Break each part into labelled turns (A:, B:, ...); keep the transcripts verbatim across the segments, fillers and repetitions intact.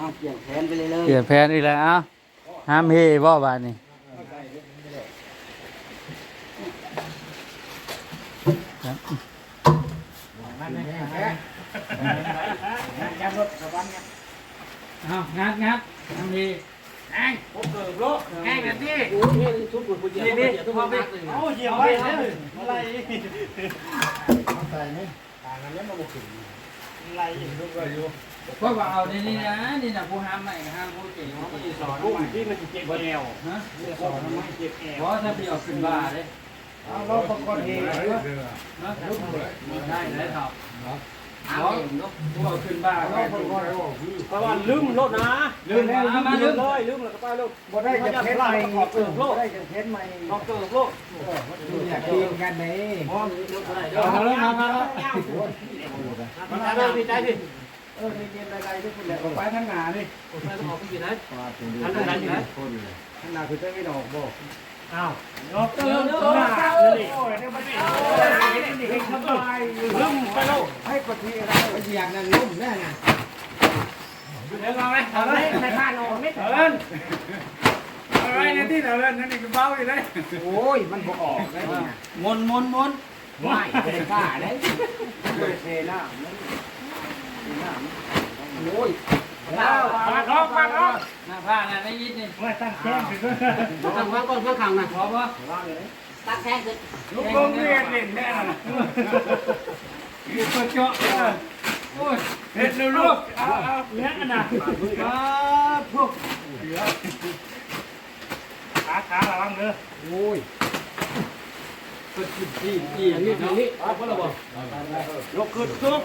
A: เปลี่ยนแผนไปเลยเลย
B: เปลี่ยนแผนอีกแล้วเอ้าห้ามเฮบ่บาดนี้เอางัดงัดทำดีแองโอ้เกิดโลแองแบบนี้โอ้ยทุบปุ่นปุ่นเยอะนี่ทุบมาไปโอ้ยเยี่ยมไปเลยอะไรเอาใส่นี่ต่างกันแล้วมาบุกขึ้นอะไรทุบไปอยู่เพราะว่าเอานี่นี่นะนี่นะผู้ห้ามใหม่ห้ามผู้เก่งเขาไม่สอนผู้ที่มันเจ็บแอวฮะสอนไม่เจ็บแอวเพราะถ้าพี่เอาขึ้นบ้าเลยเอาเราประกอบเองเลยนะได้ได้ครับเอาเองลูกพวกขึ้นบ้าเราประกอบเพราะว่าลืมรถนะลืมแล้วมาลืมเลยลืมแล้วก็ไปลูกบ่ได้จะเพชรใหม่ขอบเกิดโลกได้จะเพชรใหม่ขอบเกิดโลกอยากกินกันไหนเอาแล้วมามาแล้วมาเลยพี่ใจพี่เออเรียนอะไรที่คุณแหละไปทางหน้านี่ผมไปต้องออกไปกี่นัดทางหน้ากี่นัดทางหน้าคือจะไม่ดอกบ่อ้าวยกเติมตัวเลยโอ้ยเดี๋ยวมันนี่เห็นสบายลุ่มไปแล้วให้กดทีอะไรไปเสียงนั่นลุ่มแน่ไงเดี๋ยวเราไหมเอาเลยในบ้านนอนไม่เถินเอาไว้ในที่เถินนั่นนี่ก็เบาอยู่เลยโอ้ยมันบ่ออกได้ยังไงมนมนมนไม่เป็นกล้าได้เลยเทน้ำโอ้ยมาล็อกมาล็อกหน้าผ้าน่ะไม่ยิดนี่ว่าตั้งแข้งขึ้นตั้งไว้ก่อนเพื่อขังนะพอปะตั้งแข้งขึ้นลูกลงเรียนเล่นแน่น่ะลูกกระเจาะโอ้ยเห็ดลูกเอาเอาเลี้ยงกันนะมาพวกขาขาระวังเด้อโอ้ยก็ขึ้นที่ที่อย่างนี้อย่างนี้เอาคนละบ่ยกขึ้นซุก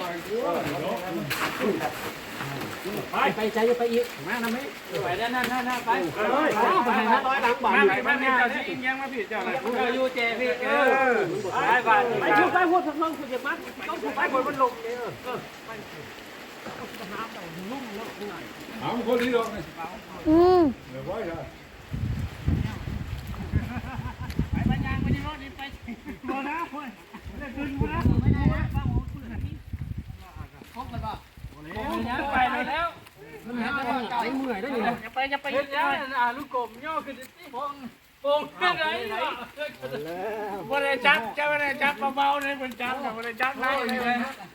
B: ไปไปใจไปอีกมาทำไมไปนั่นนั่นนั่นไปไปไปไปร้อยหลังบ่ายไปไปเจ้าที่ยังมาผิดเจ้าอะไรคุณอยู่เจพี่เออไปไปไปพูดไปพูดทั้งนั้นคุณอย่ามัดต้องถูกไปคนมันลงเนี่ยเออไปน้ำแต่ลุ่มแล้วข้างในเอาคนนี้ลงเลยอืมเดี๋ยวไว้เลยไปไปยางไปที่รถนี่ไปโดนนะคนเล่นปืนนะไม่ได้นะบ้าหมูปืนแบบนี้ครบเลยป่ะโอ้ยไปแล้วมันหาไปไอ้เมื่อยได้ยังจะไปจะไปยังอ่าลูกกลมย่อขึ้นที่พงพงขึ้นไหนบริจับจะบริจับเบาๆเลยบริจับกับบริจับได้เลย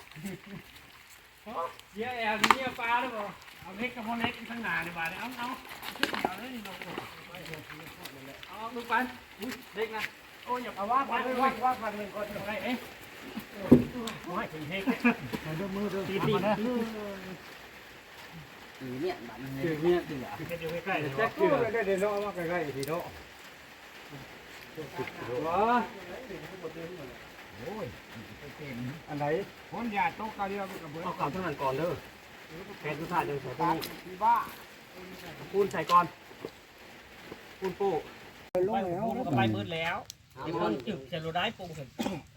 B: เยอะแอบเยอะปลาหรือเปล่าเอาเล็กกับพอเล็กข้างหน้าดีกว่าเอาเอาขึ้นเดี๋ยวเลยนี่เราเอาลูกปันเล็กนะโอ้ยอย่าเอาว่าปันว่าว่าปันหนึ่งคนอะไรเอ๊ะไม่ถึงเฮกมันดูมือดูตีตีตีเนี่ยบัตรเนี่ยตีอ่ะอยู่ใกล้ๆแจ็คกู้ได้เดี๋ยวเราเอามาใกล้ๆทีโน่ว้าโอ้ยอันไหนคนยาโต๊ะกาเดียวกับเบอร์เอาเก่าเท่านั้นก่อนเด้อแค่ทุกท่านยังใส่ตัวนี้บ้าปูนใส่ก่อนปูนปูลงแล้วก็ไปมืดแล้วไอ้คนจึกจะรู้ได้ปูเห็น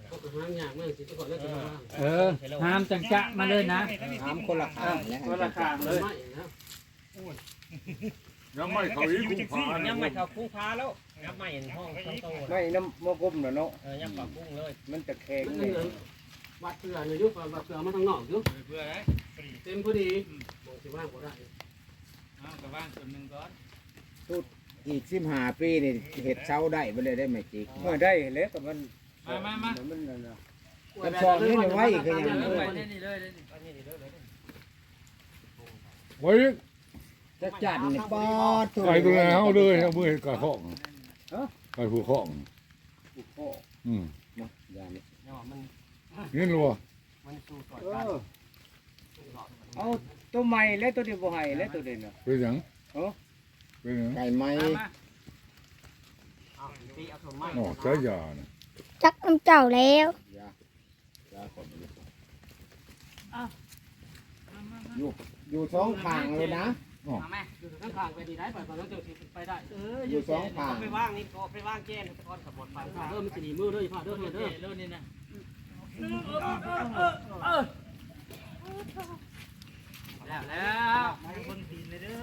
B: เออห้ามจังจะมาเลยนะห้ามคนละข้างคนละข้างเลย
C: ยังไม่เขาอีกกุ้งพา
A: ยังไม่เขากุ้งพาแล้วยังไม่เห็นห้องช่องโต
D: ไม่น้ำมะกุ้มเนาะ
A: เออยังปากกุ้งเลย
D: มันจะแข็ง
A: วัดเสือเลยยุบวัดเสือมาทางนอกยุบเพื่ออะไรเต็มพอดีมองสิว่างก็ได้อ้าวก็ว่างส่วนหนึ่งก่อน
D: ตุดอีกสิบห้าปีนี่เห็ดเช้าได้ไปเลยได้ไหมจิก
B: เมื่อได้แล้วแต่มัน
A: มามามา
D: มันกันชองนี่ไว้คือยัง
C: ไว้
D: จะจัดนี่ปอด
C: ไปดูแลเขาเลยเอามือกระห้องไปผูกห้องอืมนี่รัว
D: เอาตัวใหม่แล้วตัวเดียวบ่ให้แล้วตัวเดียว
C: เป็นยังเออเป็นยัง
D: ไก่ไหม
C: อ๋อใช้ยาเนี่ย
E: จักน้ำเจ้าแล้ว
D: อยู่อยู่สองข้างเลยนะ
A: แม่อยู่ข้างข้างไปดีได้ไปตอนนั้นจะไปได้เออ
D: อยู่สองข้าง
A: ไปว่างนี่ไปว่างแก้นก้อนขับบดไปเริ่มจะดีมือด้วยพ่อเด้อเด้อเด้อนี่นะแล้วแล้วคนดีเลยเด้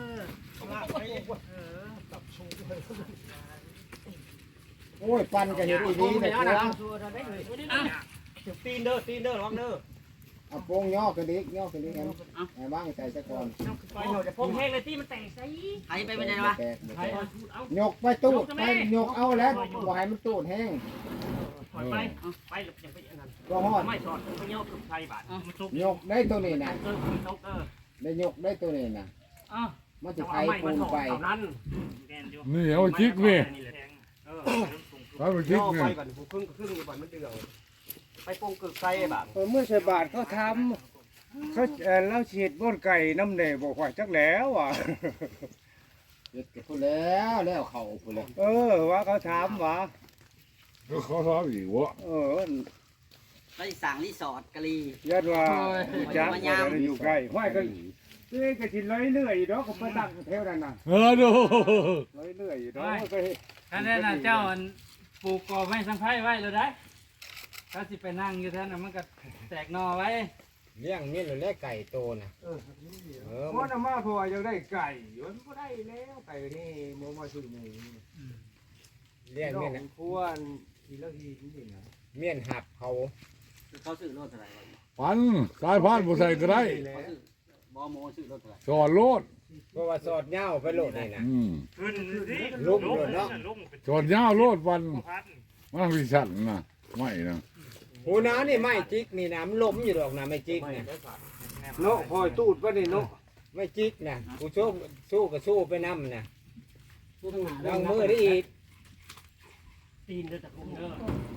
A: อ
D: โอ้ยปันกันอยู่ดีๆแต่ตัว
A: ตีนเด้อตีนเด้อระวังเด้อ
D: เอาโป้งย่อกันดิย่อกันดิกันไอ้บ้างใจซะก่อน
B: ไปหน่อยจะพงแห้งเลยที่มันแต่งใส่
F: ใครไปไม่ได้วะ
D: แตก
B: ใครเอา
D: ยกไปตูดไปยกเอาแล้วบ่ให้มันตูดแห้ง
B: ถอยไปไปหลบอย่างไปอันนั้น
D: ก็ฮอด
B: ไม่สอดไปเงี้ยกับไทยบาทมันซุก
D: ยกได้ตัวนี้นะ
B: เออซุกเออ
D: ได้ยกได้ตัวนี้นะ
B: อ้าว
D: มันจะ
B: จะ
D: ไถ
B: เอาไม่
D: ปู
B: มาน ถอด
D: ไป
B: เท่านั้น
C: นี่เอาจิกนี่
B: เออ
C: เอาไปจิก
A: ย่อ
C: นี่
A: ไปบัดผู้ครึ่งครึ่งอยู่บัดมันเดือดไปปงกึกไก่บัด
G: เมื่อใส่บาทเขาทำเขาเอ่อเราฉีดบนไก่น้ำเนยบอกว่าจักแล้วอ่ะ
D: เด็ดพูดแล้วแล้วเขาพูดแล้ว
G: เออว่าเขาถามว่า
C: ก็เขาทำอีกวะ
G: เออ
F: ไปสั่งรีสอร์ทกะลี
G: ยัดว่าจัก
F: มายาม
G: ว่าอยู่ใกล้ห้อยก็เอ้ยก็สิร้อยเลื่อยดอกก็ไปตั้งแถวนั้นน่ะ
C: เออดู
G: ร้อยเลื่อยดอกก็
B: ท่านนั่นน่ะเจ้าอันปลูกกอไม่สังไพ่ไว้เลยได้ถ้าสิไปนั่งอยู่ท่านน่ะมันก็แตกนอไว้
D: เลี้ยงเมียนหรือเลี้ยงไก่โตนะเออ
G: เพราะน้ำมาพอยังได้ไก่อยู่มันก็ได้แล้วไก่นี่โมมาซื้อหมู
D: เลี้ยงเมียน
G: ควรทีละทีจริงๆนะ
D: เมียนหับเขา
F: เขาซื้อรถเท่าไหร่วะ
C: ปันสายพานผู้ใส่ก็ได้
F: เขาซื้อบอโมซื้อรถเท่าไหร่
C: สอนโลด
D: เพราะว่าสอดเหย้าไปโลดนี่นะ
C: อืม
B: ขึ้นสิ
D: ลุกโลดเนาะ
C: สอนยาวโลดวันมันวิชันนะไม่นะ
D: หูน้านี่ไม่จิกนี่นะมันล้มอยู่ดอกนะไม่จิกนะ
G: เนาะคอยตูดว่านี่เนาะ
D: ไม่จิกนะกูสู้สู้ก็สู้ไปน้ำนะ
A: ผู้ทั้งหา
D: ลองมือได้อีก
B: ตีนเด้อแต่ผมเด้อ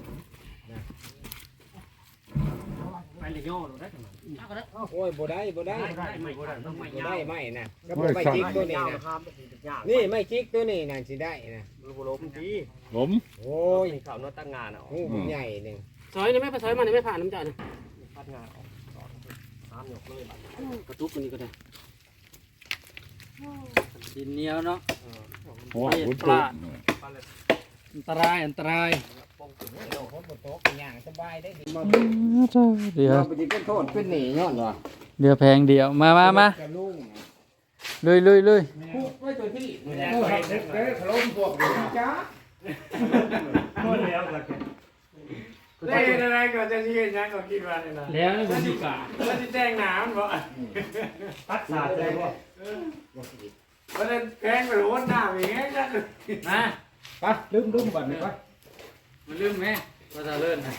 B: ไปเลยย่อหนูได้ขนาดนี้
F: เอาก็ได้
D: โอ้ยบ่ได้บ่ได้
B: ได้ไม่ได้ต้องไม่
D: บ่
B: ยา
D: ได้
B: ว
D: ไม่นะก็บ่ไม่จิกตัวนี้นะนี่ไม่จิกตัวนี้นะสิได้นะ
A: มือบุล้มดี
C: ผม
D: โอ้ย
A: ข่าวนอตั้งงานอ่ะ
D: หูมันใหญ่หนึ่ง
A: ซอยนี่ไม่ไปซอยมันนี่ไม่ผ่านน้ำจ่ายนะพัดงานออกสามหยกเลยบัดกระตุกมันนี่ก็ได้
B: ดินเหนียวเนาะ
C: หัวขุนตุก
B: อันตรายอันตราย
D: คนบนโต๊ะอย่างสบายได้ดี
B: เดี๋ยว
D: เราไปเป็นโทษเป็นหนีย้อนวะ
B: เดี๋ยวแพงเดียวมามามา
D: จะลุ่ง
B: ลุยลุยลุย
D: คุกไว้ตัวที่
G: เออครับเด็กเด้อขลุ่มพวกนี้จ้า
B: หมดแล้วกัน
G: เล่นอะไรก็จะยืนยังก็คิดว่านี่นะ
B: แล้วนี่ผมดีกว่า
G: แล้วจะแจ้งหนามบ่
B: พัดสาดเลยว่า
G: เพราะนั้นแกงไปโหนหน้าอย่างเงี้ยจ้ะ
B: มา
G: ไปลืมลืมบัตรนี่ไป
B: มันลืมไหมว่าจะเลื่อนนะ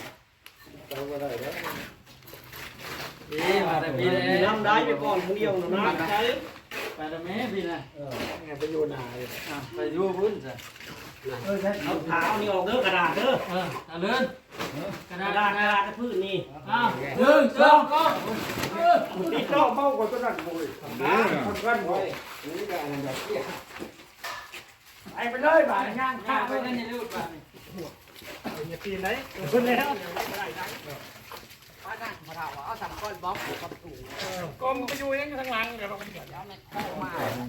B: ดีมาแต่พี่เลย
A: น้ำได้ไปก่อนคนเดียวนะน้ำได้
B: ไปแต่แม่พี่นะ
A: ไปโยนนาเลย
B: อ่ะไปดูพื้นสิ
A: เอาเท้านี่ออกเด้อกระดาษเด้อ
B: เออตะเลื่อนกระ
A: ก
B: ดา
A: ระ
B: ษ
A: ดาษกระดาษพื้นนี่
B: อ้าวหนึ่งสองก็
G: นี่เจ้าเมากว่าตัวนั้นบ่เลยคนกันบ่
D: นี่ก็อันนั้นแบบเตี้ย
G: ไอ้ไปเลยบาดย่าง
B: ข้า
G: ข้าว
B: ไป
G: ไป
B: กัน
G: นี่
B: อย่าลืมไป
A: อย่าตีนไหนคนแล้ว
F: ป้านั่งมาถามว่าเอาสามก้อนบล็อกผูกกับถุง
G: กลมไปอยู่ยังข้างหลังเดี๋ยวเรา
F: แล้วในข้อมา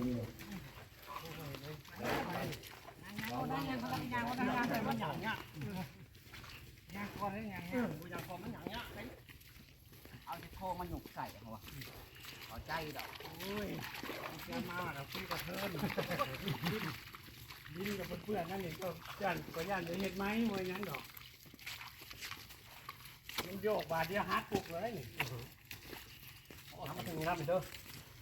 F: เอาสิโคมันหนุกใส่เขาวะขอใจดอก
A: ดินกับเพื่อนนั่นเองก็ย่านก็ย่านจะเห็ดไหมมวยงั้นดอกมันโยกบาดเดียวฮัดปุกเลยนี่โอ้ทำมาถึงน้ำเด้อ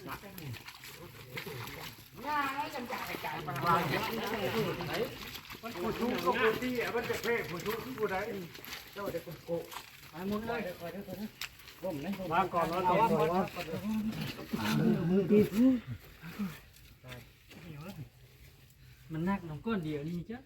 G: มันผู้ชูก็ผู้ที่มันจะเพ่ผู้ชูผู้ใดเจ้าเด็กคนโก
B: ไปหมดเลย
A: มาก่อนนอนก่อนว่า
B: มันนักน้องก้อนเดียวนี่จ้ะ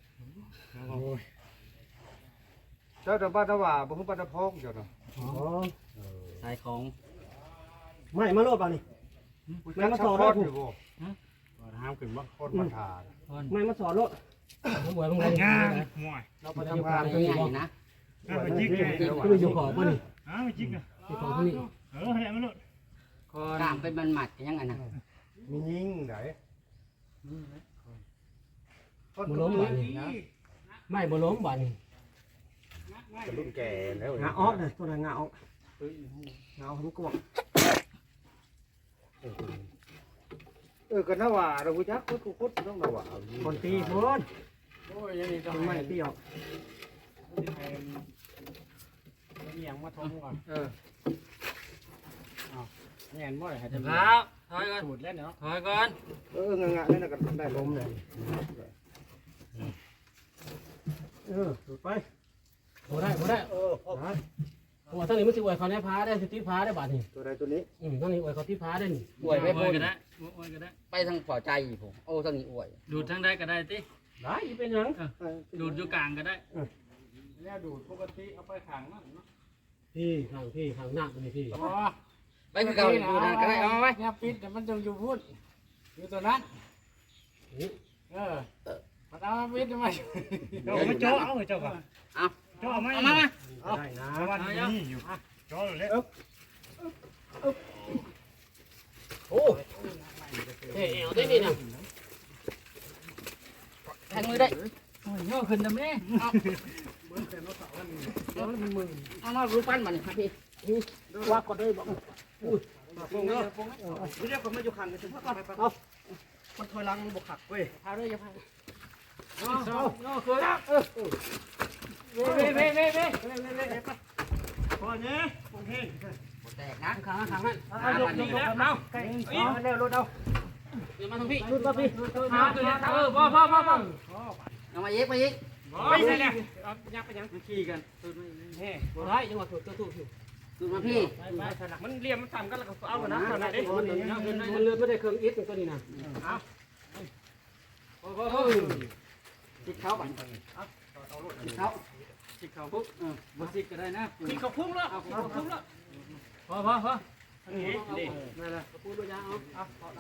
G: เจ้าตะบ้านตะว่าบ่ฮู้บ้านตะพองเจ้าเนาะ
B: ขายของ
A: ไม่มาโลดป่ะนี่
G: แม่มาสอนได้ผู้บ่
A: ห้ามขึ้นบ่
G: คนมาทาน
A: ไม่มาสอนโลดหวยมึงไงงาน
G: เราไปทำงาน
F: ตัวใหญ่นะ
A: ไปจิกไงก็ไปอยู่ขอบป่ะนี่อ้าวไปจิกอ่ะอยู่ขอบป่ะนี่เออให้มาโลด
B: คอน
F: กล้ามเป็นมันหมัดยังไงนะ
G: มียิงได
A: บ่ล้มบ่นี่ไม่บ่ล้มบ่นี่
G: รุ่นแก่แล้ว
A: งาออกเลยตัวนั้นงาออกงาออกทั้งกวง
G: เออก็น่าว่าเราฮู้จักคุดคุดต้องน่าว่า
A: คนตีคน
B: โอ้ยยังมี
A: ต้องไม่ตีออกเอียงมาทมก่อน
B: เออแม่นบ่ได้ให้
A: เดี๋ยว
B: ทำ
A: ครับถอยก่อน
B: สูตรแล้วเนาะ
A: ถอยก่อน
G: เอองะๆนี่น่ะก็ได้ลมเลยเออสูดไป
A: บ่ได้บ่ได้
G: เออพอ
A: หัวทั้งนี้มันสิอวยเขาแน่พาได้สิติพาได้บาดนี่
G: ตัวใดตัวนี้
A: อืมทั้งนี้อวยเขาติพาได้นี่
F: อวยไม่
A: อ
F: พ้
A: วย
F: น
A: ก็ได้อวยก็ได้
F: ไปทางฝ่อใจผมโอ้ทางนี้อวย
A: ดูดทั้งได้ก็ได้ติ
B: ได้อีเป็นหยัง
A: ดูดอยู่กลางก็ได้
B: แล้วดูดปกติเอาไปขังนั่นเนาะ
A: พี่ข้างพี่ข้างหน้านี่พี่
B: อ๋อ
F: ไปคือเก่าดูนั่นก็ได้เอาไว้
B: เนี่ยปิดเดี๋ยวมันจะอยู่พุ่นอยู่ตัวนั้นเออมันเอามาปิดทำไมเอามาเจาะเอาเจ้าก่อน
F: เอา
B: เจาะไหม
F: เอามามา
B: ได้นะวันนี้อยู่เจาะเลย
A: โอ้เฮ้ยเอาได้นี่นะ
F: แทงมือได้
A: โอ้ยย่อขึ้นนะแม่
F: เอามารูปปั้นมันครับพี่
A: ว่าก็ได้บอก
B: ปงเนาะไม่ใช่คนมาอยู่ขังกันถึงพ่อไปไปเอาคนถอยหลังบกขักเว้ย
F: พาด้วยอย่าพา
A: เอาเอาเอาคือแล้วเออเว้เว้เว้เว้เว้เว้เว้เว้ไป
B: พอเนี้ยโอเค
F: แตกนะ
A: ข้างข้างนั่น
B: เอายกยกยกเอาใกล้เอาเร็วรถเอา
A: เดี๋ยวมาทางพี่รุดมาพี่หาตัวนี้เออพ่อพ่อพ่อพ่อ
F: เอามาเย็กมาเย็ก
B: ไม่ใช่เนี่ยเอายักไปยังขี่กันเฮ้
A: บ่ได้ยังว่าถูกตัวถูกอยู่
F: ดูมาพี่
B: ไปไปสลักมันเรียมมันต่ำกันแล้วก็เอาหนะตอนนั้นดิ
A: มันมันเลือดไม่ได้เครื่องอิดตัวนี้นะพ่อพ่อพ่อ
F: ติดเขาบันติดเขา
A: จิกเขาปุ๊บเออบ่จิกก็ได้นะ
B: ขี่เขาพุ่งแล้วเขาพุ่งแล้ว
A: พ่อพ่อพ่อ
B: นี่ดิ
A: นั่นแหละพูดด้วยยาเอา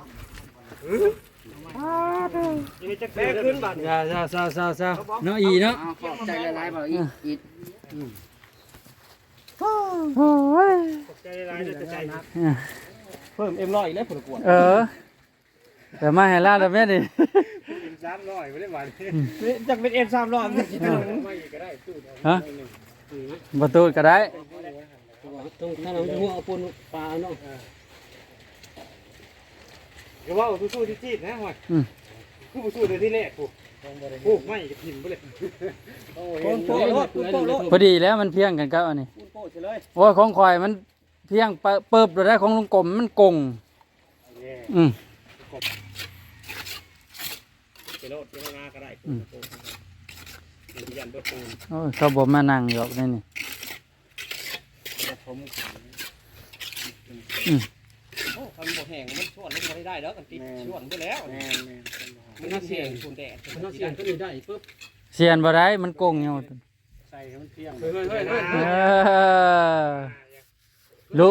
B: นี่จะแก้ขึ้นบัตร
A: ซาซาซาซาซาเนาะอีเนาะ
F: เอาขอบใจละลายบ่อีอี
B: ใจร้ายจะใจนักเพิ่มเอ็มร้อยแล้วผลกวด
A: เออแต่มาให้ลาดแล้วแม่ดิ
B: เอ็มสามร้อยไม่ได้หวานจากเป็นเอ็มสามร้อยไม่ก็ได้ตู้
A: ฮะประตูก็ได้ตรงถ้าเราจะหัวเอาปูนปลาเนาะ
B: เดี๋ยวว่าสู้ๆที่จีดนะหอยกูสู้ในที่แรกกูกูไม่จะพิมพ์ไปเลยโอ้ยโป้โลดโป้โลด
A: พอดีแล้วมันเพียงกันครับอันนี้
B: โป้เลย
A: โอ้ยของข่อยมันเพียงเปิบได้ของลุงกลมมันกงอืม
B: ไปโลดไปมาก็ได้ยันเบอร์ปูน
A: โอ้ยเขาบอกมานั่งอยู่นี่นี่
B: ผมโอ้คันบ่แห้งมันช่วนมันไม่ได้แล้วกันติดช่วนไปแล้วมันน่าเสี่ยงปูนแดดมันน่าเสี่ยงก็มีได้ปุ๊บ
A: เสียนบ่ได้มันกงอยู่
B: ใส่ให้มันเที่ยงเฮ้ยเฮ้ยเฮ้ย
A: เออลุ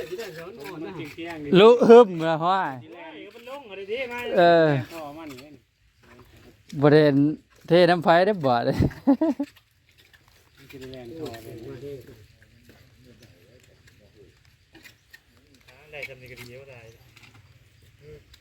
A: ลุฮึมละห้อย
B: มันลงอะไรดีมา
A: เออ
B: ต่อมันนี่
A: บ่ได้เทน้ำไฟได้บ่เลย
B: กินแรงต่อเลยได้จำนี้ก็ดีเยอะได้